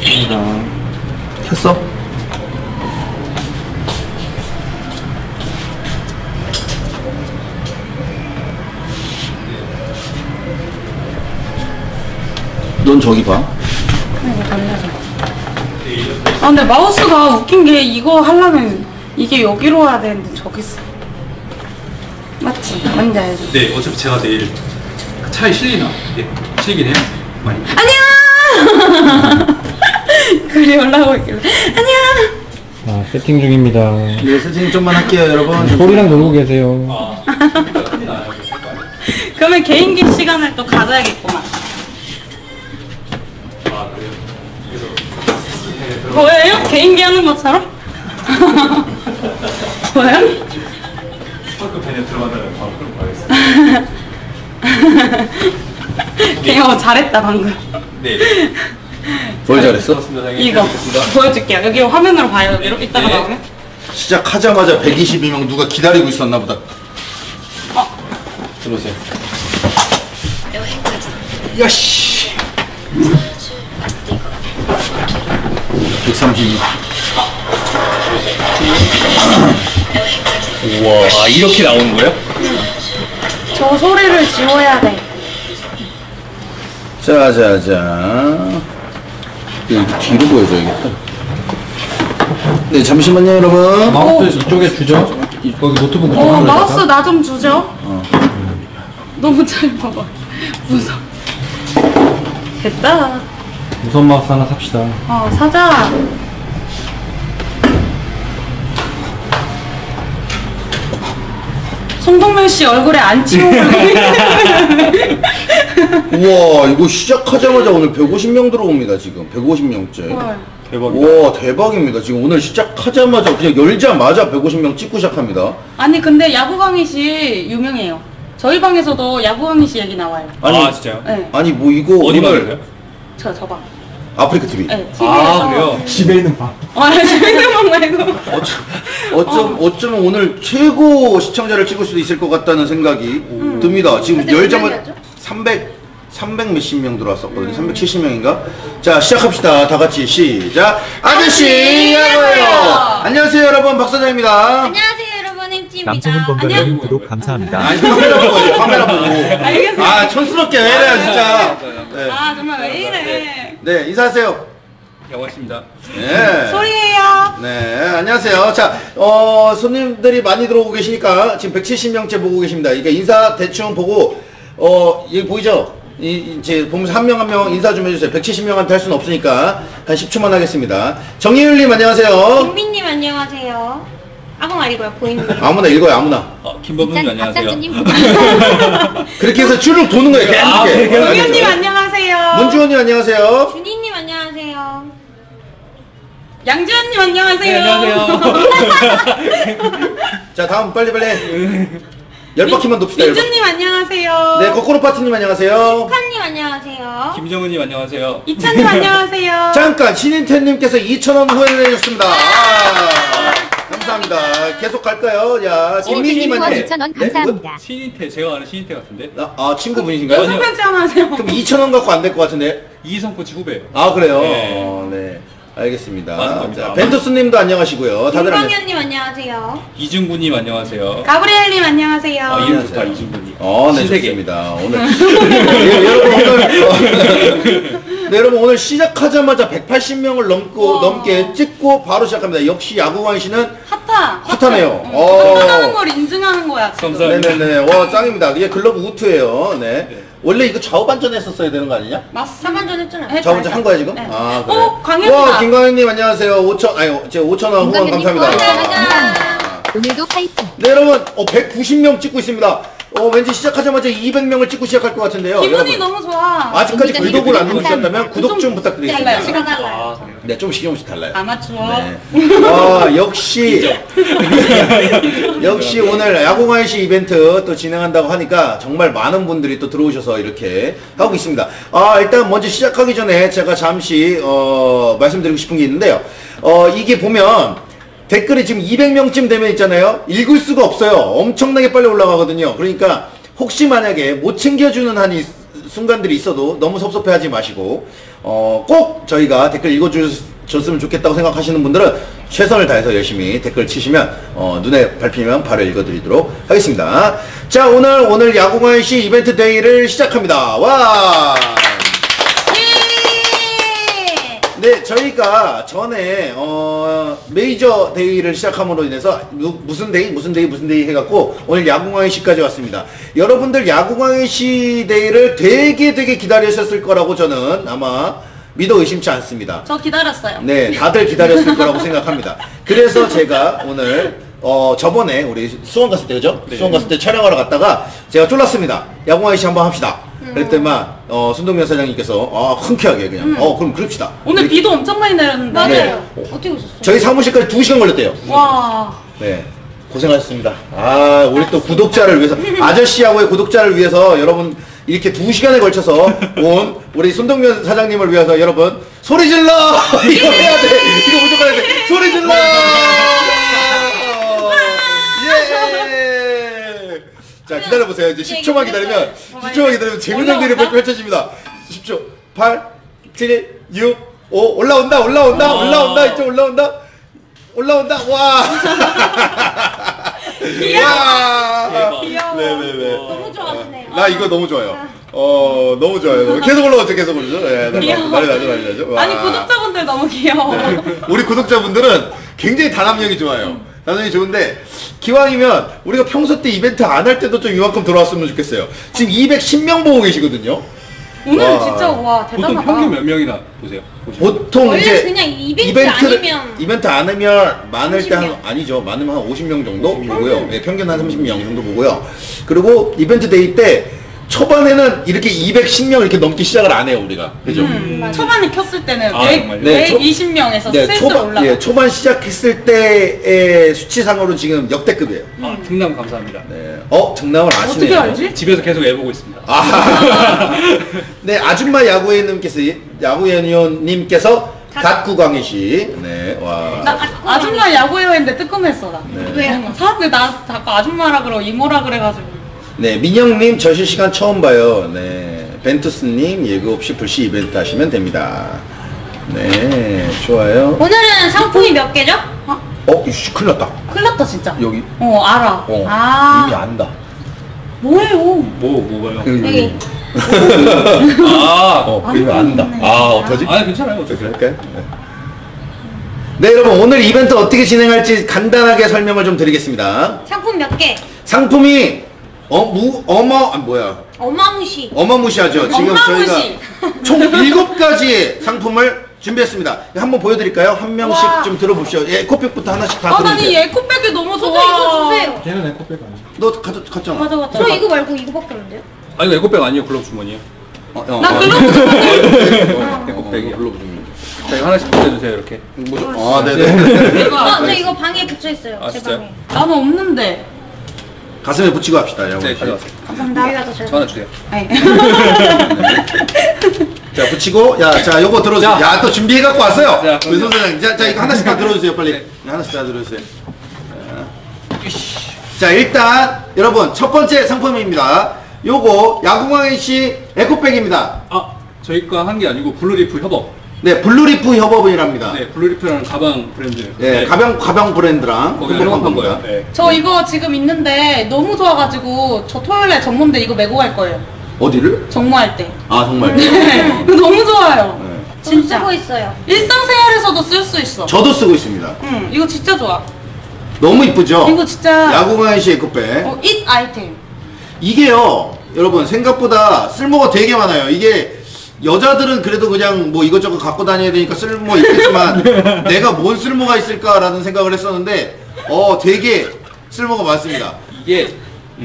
켰어? 넌 저기 봐. 이거 달려서. 아 근데 마우스가 웃긴 게 이거 하려면 이게 여기로 와야 되는데 저기 있어. 맞지? 뭔지 알지? 네, 어차피 제가 내일 차에 실리나? 예, 실리긴 해요. 많이. 안녕! 글이 올라오고 있길래 안녕! 아, 세팅 중입니다. 네, 세팅 좀만 할게요, 여러분. 소리랑 놀고 계세요. 아, 그러면 개인기 시간을 또 가져야겠구만. 아 그래요? 그래서 보여요? 개인기 하는 것처럼? 보여요? 스파크팬에 들어간다면 바로 끌고 가겠습니다. 개인기 잘했다 방금. 네. 뭘 잘했어? 이거 보여줄게요. 여기 화면으로 봐요. 이렇게 이따가 네. 나오면. 시작하자마자 122명 누가 기다리고 있었나 보다. 들어오세요. 야씨. 132. 우와, 아 이렇게 나오는 거예요? 저 소리를 지워야 돼. 자자자. 이거 뒤로 보여줘야겠다. 네, 잠시만요, 여러분. 마우스 이쪽에 주죠. 거기 노트북 그쪽으로 마우스 해서. 나 좀 주죠. 너무 잘 봐봐. 무서워. 됐다. 무선 마우스 하나 삽시다. 사자. 송동면 씨 얼굴에 안 치우고. 우와, 이거 시작하자마자 오늘 150명 들어옵니다, 지금. 150명째. 대박이다. 와, 대박입니다. 지금 오늘 시작하자마자 그냥 열자마자 150명 찍고 시작합니다. 아니 근데 야구 강의 씨 유명해요. 저희 방에서도 야구 강의 씨 얘기 나와요. 아 진짜요? 네. 아니 뭐 이거 어디 오늘 말이에요? 저 방. 아프리카 TV. 네. TV에서. 아 그래요? 집에 있는 방. 재밌는 방 말고. 어쩌면 오늘 최고 시청자를 찍을 수도 있을 것 같다는 생각이 듭니다. 지금 열자마자 300 몇십 명 들어왔었거든요. 370명인가? 자, 시작합시다. 다 같이 시작. 아저씨 야구예요. 안녕하세요, 여러분. 박사장입니다. 안녕하세요 여러분 햄찌입니다. 남성은 건강님 구독 감사합니다. 아니, 카메라 보고, 카메라 보고. 알겠어요. 아, 촌스럽게 왜 이래요, 진짜. 네. 아 정말 왜 이래. 네, 인사하세요. 영화십니다. 네. 소리예요. 네, 안녕하세요. 자, 손님들이 많이 들어오고 계시니까 지금 170명째 보고 계십니다. 이게 인사 대충 보고, 여기 보이죠? 이제 보면서 한 명 한 명 인사 좀 해주세요. 170명한테 할 수는 없으니까 한 10초만 하겠습니다. 정희율님 안녕하세요. 김민님 안녕하세요. 아무 말이고요 보이는 거. 아무나 읽어요, 아무나. 김범준님 안녕하세요. 그렇게 해서 줄을 도는 거예요, 계속. 동현님 안녕하세요. 문주원님 안녕하세요. 준이님 안녕하세요. 양지원님 안녕하세요. 네, 안녕하세요. 자, 다음 빨리빨리. 10바퀴만 돕시다, 10바퀴. 민주님 안녕하세요. 네, 거꾸로 파티님 안녕하세요. 칸님 안녕하세요. 김정은님 안녕하세요. 이찬님 안녕하세요. 잠깐, 신인태님께서 2,000원 후원을 해주셨습니다. 감사합니다. 계속 갈까요? 야, 김민님 안녕하세요. 2,000원 감사합니다. 신인태 제가 아는 신인태 같은데? 친구분이신가요? 연습 편지 하나 하세요. 그럼 2,000원 갖고 안 될 것 같은데? 이성 코치 후배예요. 아, 그래요? 네. 네. 알겠습니다. 맞습니다. 자, 벤투스님도 안녕하시고요. 다들 안녕. 김광현님 안녕하세요. 이중구님 안녕하세요. 가브리엘님 안녕하세요. 아 이름 좋다 이중구님. 네, 신세계. 좋습니다. 오늘. 예, 여러분, 오늘. 네, 여러분, 오늘 시작하자마자 180명을 넘게 찍고 바로 시작합니다. 역시 야구관 씨는 핫하네요. 핫하는 걸 인증하는 거야. 지금. 감사합니다. 네네네. 와, 짱입니다. 이게 글러브 우트예요. 네. 원래 이거 좌우반전 했었어야 되는 거 아니냐? 맞습니다. 3반전 했잖아요. 좌우반전 한 거야, 지금? 네. 아, 그래. 광현이다. 와, 김광현님 안녕하세요. 5,000원 후원 감사합니다. 오늘도 파이팅. 네, 여러분, 190명 찍고 있습니다. 왠지 시작하자마자 200명을 찍고 시작할 것 같은데요. 기분이 여러분, 너무 좋아. 아직까지 기분이 구독을 안 감사합니다. 누르셨다면 구독 좀 부탁드리겠습니다. 달라요. 시간 달라요. 네, 조금씩 달라요. 아마추어. 네. 역시 오늘 야구관시 이벤트 또 진행한다고 하니까 정말 많은 분들이 또 들어오셔서 이렇게 하고 있습니다. 일단 먼저 시작하기 전에 제가 잠시 말씀드리고 싶은 게 있는데요. 이게 보면 댓글이 지금 200명쯤 되면 있잖아요. 읽을 수가 없어요. 엄청나게 빨리 올라가거든요. 그러니까 혹시 만약에 못 챙겨주는 한이 순간들이 있어도 너무 섭섭해하지 마시고 꼭 저희가 댓글 읽어주셨으면 좋겠다고 생각하시는 분들은 최선을 다해서 열심히 댓글 치시면 눈에 밟히면 바로 읽어드리도록 하겠습니다. 자, 오늘 야구관시 이벤트 데이를 시작합니다. 와! 네, 저희가 전에 메이저 데이를 시작함으로 인해서 무슨 데이 해갖고 오늘 야구광역시까지 왔습니다. 여러분들 야구광역시 데이를 되게 기다리셨을 거라고 저는 아마 믿어 의심치 않습니다. 저 기다렸어요. 네, 다들 기다렸을 거라고 생각합니다. 그래서 제가 오늘 저번에 우리 수원 갔을 때, 그죠? 네. 수원 갔을 때 촬영하러 갔다가 제가 쫄랐습니다. 야구광역시 한번 합시다. 그랬더니만 손동면 사장님께서 흔쾌하게 그냥 그럼 그럽시다. 오늘 비도 엄청 많이 내렸는데. 맞아요. 어떻게 오셨어요? 저희 사무실까지 2시간 걸렸대요. 와. 네, 고생하셨습니다. 우리 또 구독자를 위해서, 아저씨하고의 구독자를 위해서 여러분 이렇게 2시간에 걸쳐서 온 우리 손동면 사장님을 위해서 여러분 소리 질러! 이거 해야 돼. 이거 무조건 해야 돼. 소리 질러! 예! 자, 기다려보세요. 이제 10초만 기다리면, 10초만 기다리면 재밌는 일이 펼쳐집니다. 10초. 8, 7, 6, 5, 올라온다. 이쪽 올라온다. 와! 와! 귀여워. 네. 너무 좋아하시네요. 나 이거 너무 좋아요. 너무 좋아요. 계속 올라오죠. 네, 귀여워. 난리 나죠. 와. 아니 구독자분들 너무 귀여워. 네. 우리 구독자분들은 굉장히 단합력이 좋아요. 단합력이 좋은데, 기왕이면 우리가 평소 때 이벤트 안 할 때도 좀 이만큼 들어왔으면 좋겠어요. 지금 210명 보고 계시거든요. 오늘 와. 진짜 와 대단하다. 보통 평균 몇 명이나 보세요? 보통 원래 이제 그냥 이벤트 아니면 많을 때 30명. 아니죠. 많으면 한 50명 정도 보고요. 네, 평균 한 30명 정도 보고요. 그리고 이벤트 데이 때 초반에는 이렇게 210명 이렇게 넘기 시작을 안 해요, 우리가. 그죠? 초반에 켰을 때는 아, 100, 정말요? 네, 120명에서 슬슬 올라가. 초반 시작했을 때의 수치상으로는 지금 역대급이에요. 등남 감사합니다. 네. 등남을 아시네요. 어떻게 알지? 집에서 계속 해보고 있습니다. 네, 아줌마 야구위원님께서 갓구광이시. 네, 와. 나 아줌마 야구회원인데 뜨끔했어 나. 왜요? 사람들 나 자꾸 아줌마라 그러고 이모라 그래가지고. 네, 민영님 저 실시간 처음 봐요. 네, 벤투스님 예고 없이 불시 이벤트 하시면 됩니다. 네, 좋아요. 오늘은 상품이 몇 개죠? 이씨, 큰일 났다. 큰일 났다 진짜. 여기. 알아. 이미 안다. 뭐예요? 뭐가요? 여기. 이미 안다. 어떡하지? 괜찮아요. 어떻게 할까요? 네, 여러분, 오늘 이벤트 어떻게 진행할지 간단하게 설명을 좀 드리겠습니다. 상품 몇 개? 상품이 어마무시하죠. 지금 어마무시. 저희가 총 7가지의 상품을 준비했습니다. 한번 보여드릴까요? 한 명씩 와. 좀 들어보시죠. 에코백부터 하나씩 다 난 이 들어주세요. 에코백이 너무 저도 좋아. 이거 주세요. 걔는 에코백 아니야. 너 갔잖아. 가져갔다. 저 이거 말고 이거밖에 없는데요? 아 이거 에코백 아니에요? 글러브 주머니요? 나 글러브 좀 에코백이요. 글러브 좀. 자 이거 하나씩 붙여주세요 이렇게. 네네. 이거 저 이거 방에 붙여 있어요. 아, 제 진짜요? 방에. 나는 없는데. 가슴에 붙이고 합시다. 네 가져왔어요. 여기가 더 잘. 저 하나 주세요. 네. 자, 붙이고, 자, 요거 들어주세요. 자. 또 준비해갖고 왔어요. 자, 우리 손 사장님. 자, 이거 하나씩 다 들어주세요, 빨리. 네. 하나씩 다 들어주세요. 자, 일단, 여러분, 첫 번째 상품입니다. 요거, 야구광역시 에코백입니다. 저희 거 한 게 아니고 블루리프 협업. 네, 블루리프 협업이랍니다. 네 블루리프라는 가방 브랜드. 네, 가방 브랜드랑 거기 협업한 협업한 거예요. 겁니다. 네. 저 이거 지금 있는데 너무 좋아가지고 저 토요일에 전문대 이거 메고 갈 거예요. 어디를? 정모할 때. 정말. 이거 너무 좋아요. 네. 저도 진짜. 쓰고 있어요. 일상생활에서도 쓸 수 있어. 저도 쓰고 있습니다. 이거 진짜 좋아. 너무 이쁘죠? 이거 진짜 야구광역시 에코백. 잇 아이템. 이게요, 여러분, 생각보다 쓸모가 되게 많아요. 이게 여자들은 그래도 그냥 뭐 이것저것 갖고 다녀야 되니까 쓸모 있겠지만 내가 뭔 쓸모가 있을까라는 생각을 했었는데 되게 쓸모가 많습니다. 이게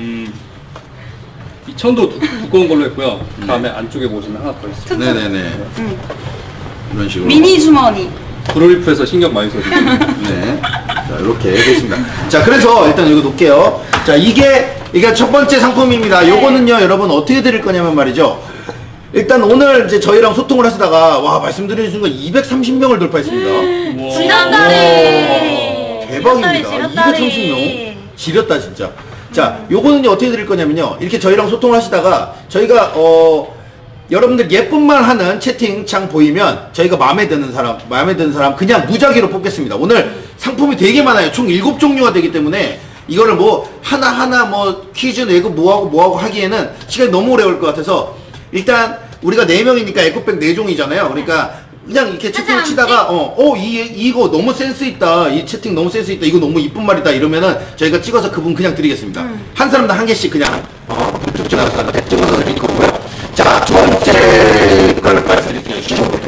이 천도 두꺼운 걸로 했고요. 다음에 안쪽에 보시면 하나 더 있어요. 네네네. 이런 식으로. 미니 주머니. 블루리프에서 신경 많이 써주고. 네. 자, 이렇게 됐습니다. 자, 그래서 일단 이거 놓을게요. 자, 이게 첫 번째 상품입니다. 요거는요, 여러분 어떻게 드릴 거냐면 말이죠. 일단 오늘 이제 저희랑 소통을 하시다가 말씀드리는 순간 230명을 돌파했습니다. 지난달에. 대박입니다. 230명. 지렸다 진짜. 자, 요거는요 어떻게 드릴 거냐면요. 이렇게 저희랑 소통을 하시다가 저희가 여러분들 예쁜말 하는 채팅창 보이면 저희가 마음에 드는 사람 그냥 무작위로 뽑겠습니다. 오늘 상품이 되게 많아요. 총 7종류가 되기 때문에 이거를 뭐 하나하나 뭐 퀴즈 내고 뭐하고 하기에는 시간이 너무 오래 걸릴 것 같아서 일단 우리가 4명이니까 에코백 4종이잖아요. 그러니까 그냥 이렇게 채팅을 치다가 이거 너무 센스 있다, 이 채팅 너무 센스 있다, 이거 너무 이쁜 말이다 이러면은 저희가 찍어서 그분 그냥 드리겠습니다. 한 사람당 한 개씩 그냥 찍어서 드릴 거고요. 자, 두 번째 걸 말씀드릴게요.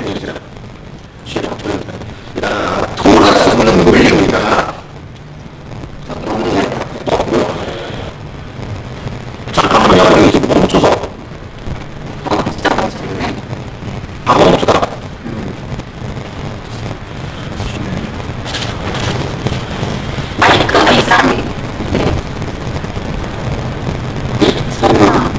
돌아서는 논리입니다. 잠깐만요, 여기 좀 멈춰서. 진짜 멈췄네. 아, 멈췄다. 마이크가 이상해. 설마.